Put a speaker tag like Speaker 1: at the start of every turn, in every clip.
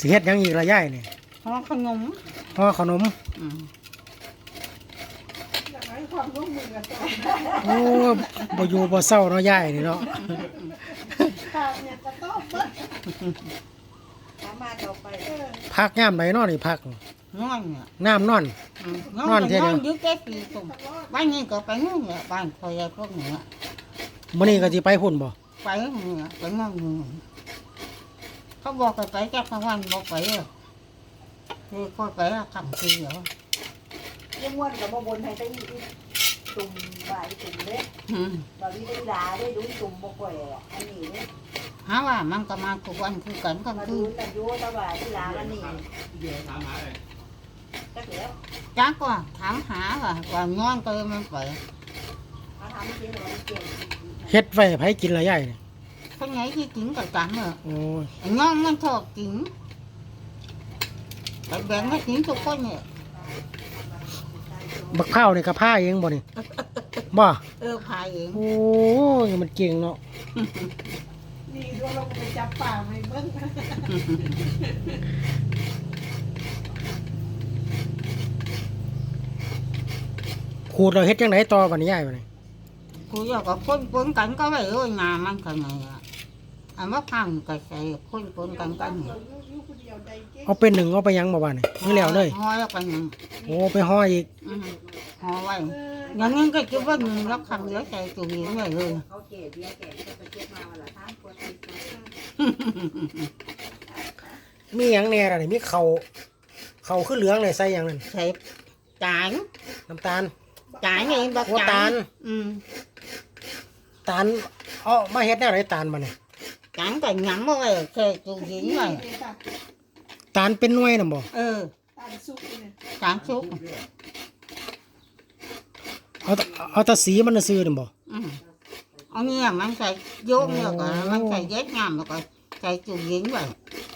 Speaker 1: สิเฮ็ดยังอีกละยายนี่
Speaker 2: ห่อขนม
Speaker 1: ห่อขนมโอ้บ่อยู่บ่เศร้าเนาะยายนี่เนาะพักยามไหนเนาะนี่พัก
Speaker 2: นอน
Speaker 1: น้ำนอน
Speaker 2: นอนเท่านี้ยึดแค่ปีตุ่มบ้านนี้ก็ไปนู่นเนี่ยบ้านคอยพวกนี้
Speaker 1: มื้อนี้ก็สิไปพุ่นบ่
Speaker 2: ไปเนี่ยไปนอนเขาบอกไปแค่กลางวันบอกไปคือคอยไปทำทีเหรอ
Speaker 3: ยังวันกับบ่บนให้ได้ตุ่มบ่ายตุ่มเล็กบ่วิได้ด่าได้ดูตุ่มบ่ก่อยอันนี้เนี่ย
Speaker 2: หาว่ามันก็มาทุกวันคือกันก็
Speaker 3: มาดูแต่ยูตะบ่ายที่ด่าอันนี้
Speaker 2: จ้าก็ถามหาว่านอนก็มันไป
Speaker 1: เฮ็ดไว้ไผกินละยายนี่
Speaker 2: คนไหนที่กินก็จัง
Speaker 1: โอ้
Speaker 2: ยนอนมันชอบกินแต่แบ่งให้กินทุกคนเนี่ย
Speaker 1: บักพร้าวนี่ก็พาเองบ่นี่บ่
Speaker 2: พาเอง
Speaker 1: โอ้ยมันเก่งเนาะ
Speaker 3: นี่ด้วยเราไปจับป่าไม่เบิ่ง
Speaker 1: ขูดเราเฮ็ดจังไดต่อบัดนี้ยายบัดนี้
Speaker 2: กูอยากกับคนกันก็ไว้งานมันกันไงอันว่าพังก็ใส่คนกัน
Speaker 1: เอาเป็นหนึ่งเอาไปยังบ่บ้านนี่นี่แล้วเลย
Speaker 2: ห่อแล้วไปยัง
Speaker 1: โอ้ไปห่ออีก
Speaker 2: ห่อไว้อย่างนั้นก็จะว่าหนึ่งแล้วขังเหลือใจตัวเองเลย
Speaker 3: เขาเกลี่ยเบี้ยแก่ก็ไปเก็บมาวันละ3 ขวด
Speaker 1: มีหยังแน่ล่ะนี่มีเขาขึ้นเหลืองเลยใส่หยังนั่น
Speaker 2: ใส่จาน
Speaker 1: น้ำตาล
Speaker 2: จานนี่บัก
Speaker 1: จานตาลเอามาเฮ็ดแนวไหนตาลมาเนี่ย
Speaker 2: จานก็หยำเอาไว้แค่ตัวเองเลย
Speaker 1: ตาลเป็นหน่วยน่ะบ่
Speaker 2: ตาลสุกจานสุก
Speaker 1: เอาแต่สีมันซื่อน่ะบ่
Speaker 2: อันนี้มันใส่โยงแล้วก็มันใส่เย็ดงามแล้วก็ใส่ตัวเองไว้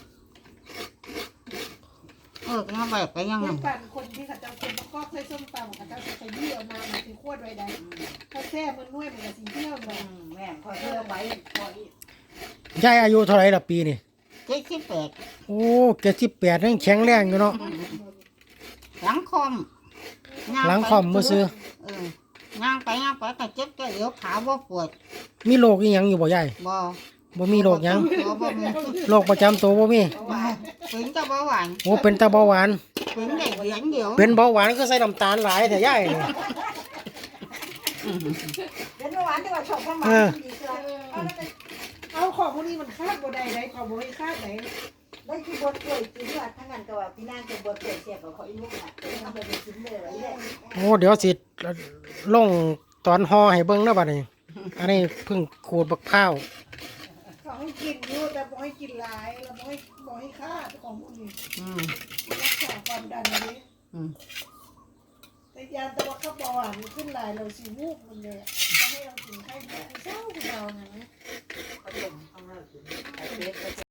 Speaker 2: ก็แบบไปยังไง
Speaker 3: คนที่เขาจะคนก็ใช้ส้มตำเขาจะใช้ยี่ออกมามันคือขวดไว้ได้ถ้าแซ่มันนุ่ยมันก็สีเที่ยวเลยแม่พอเที่ยวไป
Speaker 1: ยายอายุเท่าไหร่ละปีนี่
Speaker 2: 78
Speaker 1: โอ้78ยังแข็งแรงอยู่เนาะ
Speaker 2: หลังคอม
Speaker 1: บ่ซื้
Speaker 2: ย่างไปก็เจ็บก็เอวขาบ่ปวด
Speaker 1: มีโรคอีหยังอยู่บ่ยายบ่มีโรคหยังโรคประจำตัวบ่มี
Speaker 2: เป็นตาเบาหวาน
Speaker 1: โอ้เป็นตาเบาหวาน
Speaker 2: เป็นได้เหรียญเดียว
Speaker 1: เป็นเบาหวานก็ใส่น้ำตาลหลายแต่ยายนี่
Speaker 3: เป็นเบาหวานแต่ว่าชอบความหวานดีกว่าเอาของพวกนี้มันคาดบ่ได้ได้ของบ่ให้คาดได้ได้คือบดกล้วยกินว่าทั้งนั้นก็ว่าพี่นางจะบดกล้วยเสียบกับเขาอีลูกน่ะทำไปกินเลยนี่แหละ
Speaker 1: โอ้เดี๋ยวสิลงตอนห่อให้เบิ่งเด้อบัดนี้อันนี้เพิ่งขูดบักพร้าว
Speaker 3: เขาให้กินอยู่แต่บ่ให้กินหลายแล้วบ่ให้คาดของพวกนี้รักษาความดันนี้แต่ยาแต่ว่าเขาบอกว่ามันขึ้นหลายเราสิวูบมันเลยต้องให้เรากินไข้แพ้เศร้าเรานะ